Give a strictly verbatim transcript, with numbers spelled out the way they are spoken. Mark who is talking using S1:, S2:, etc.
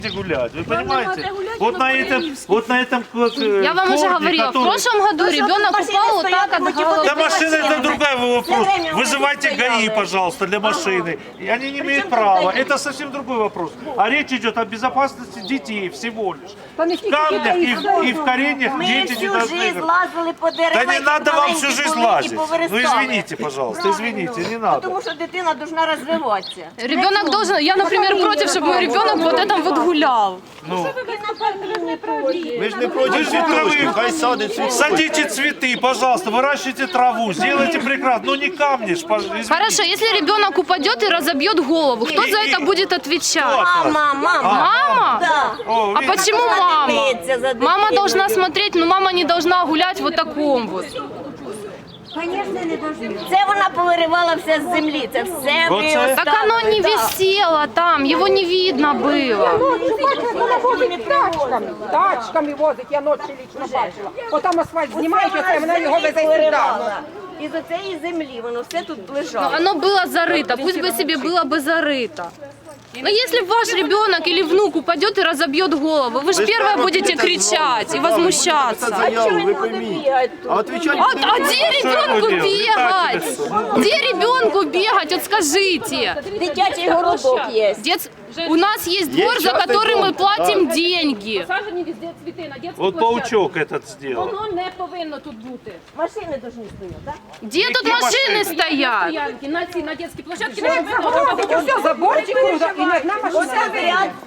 S1: гулять, вы понимаете? Вот на этом, вот на этом
S2: Я вам уже говорила, в прошлом году ребенок упал вот так от головы.
S1: Для машины это другой вопрос. Вызывайте ГАИ, пожалуйста, для машины. И они не имеют права. Это совсем другой вопрос. А речь идет о безопасности детей всего лишь. В камнях и в, и в коренях
S3: Ми
S1: дети не
S3: всю
S1: должны
S3: жизнь
S1: играть.
S3: лазили по деревах.
S1: Да не надо вам всю жизнь лазить. Ну
S3: извините,
S1: извините, пожалуйста, извините, не надо.
S3: Тому що дитина должна розвиватися.
S2: Ребенок должен, я, например, против, чтобы мой ребенок вот этом вот гулял.
S1: Ну,
S4: Ми ж не проти цвіточки, хай садить цвіточки.
S1: садите цветы, пожалуйста, выращивайте траву, сделайте прекрасно. Ну не камни ж, пож- извините.
S2: Хорошо, если ребенок упадет и разобьет голову, кто за это будет отвечать?
S3: Мама, мама.
S2: Мама?
S3: Да.
S1: О,
S2: А
S1: видите?
S2: почему мама?
S3: Дивиться за
S2: Мама
S3: дитиною.
S2: должна смотреть, но мама не должна гулять вот таком вот.
S3: Це вона повиривала все з землі, це все ви
S1: Оце?
S3: оставили.
S2: Так оно не
S3: Так.
S2: висело там, его не видно было.
S5: Вона возить тачками, тачками возить, я ночі лічно бачила. Отам асфальт знімають, оце вона його везе сюди.
S3: повиривала. Із оцеї землі воно все тут лежало.
S2: Оно было зарыто, пусть бы себе было бы зарыто. Но если ваш ребенок или внук упадет и разобьет голову, вы же первое будете кричать и возмущаться.
S4: Заяву, ви пойміть. А отвечать
S2: А, а где ребенку
S1: делать?
S2: бегать? Где ребенку бегать? Вот скажите.
S3: Дитячий городок є.
S2: Дет- У нас есть двор, за
S4: частный
S2: который
S4: дом,
S2: мы платим деньги.
S6: Посаджені везде цвіти на дитячій
S1: Вот
S6: площадці.
S1: паучок этот сделал.
S6: Воно не повинно тут бути.
S3: Машини повинні стояти, так?
S2: Где тут
S1: Какие
S2: машины
S1: машины?
S2: стоят?
S6: Стоянки на цій на дитячій площадці не
S5: Як
S6: повинно
S5: заходить,
S6: бути.
S5: все, заборчик, і одна машина.
S3: Ряд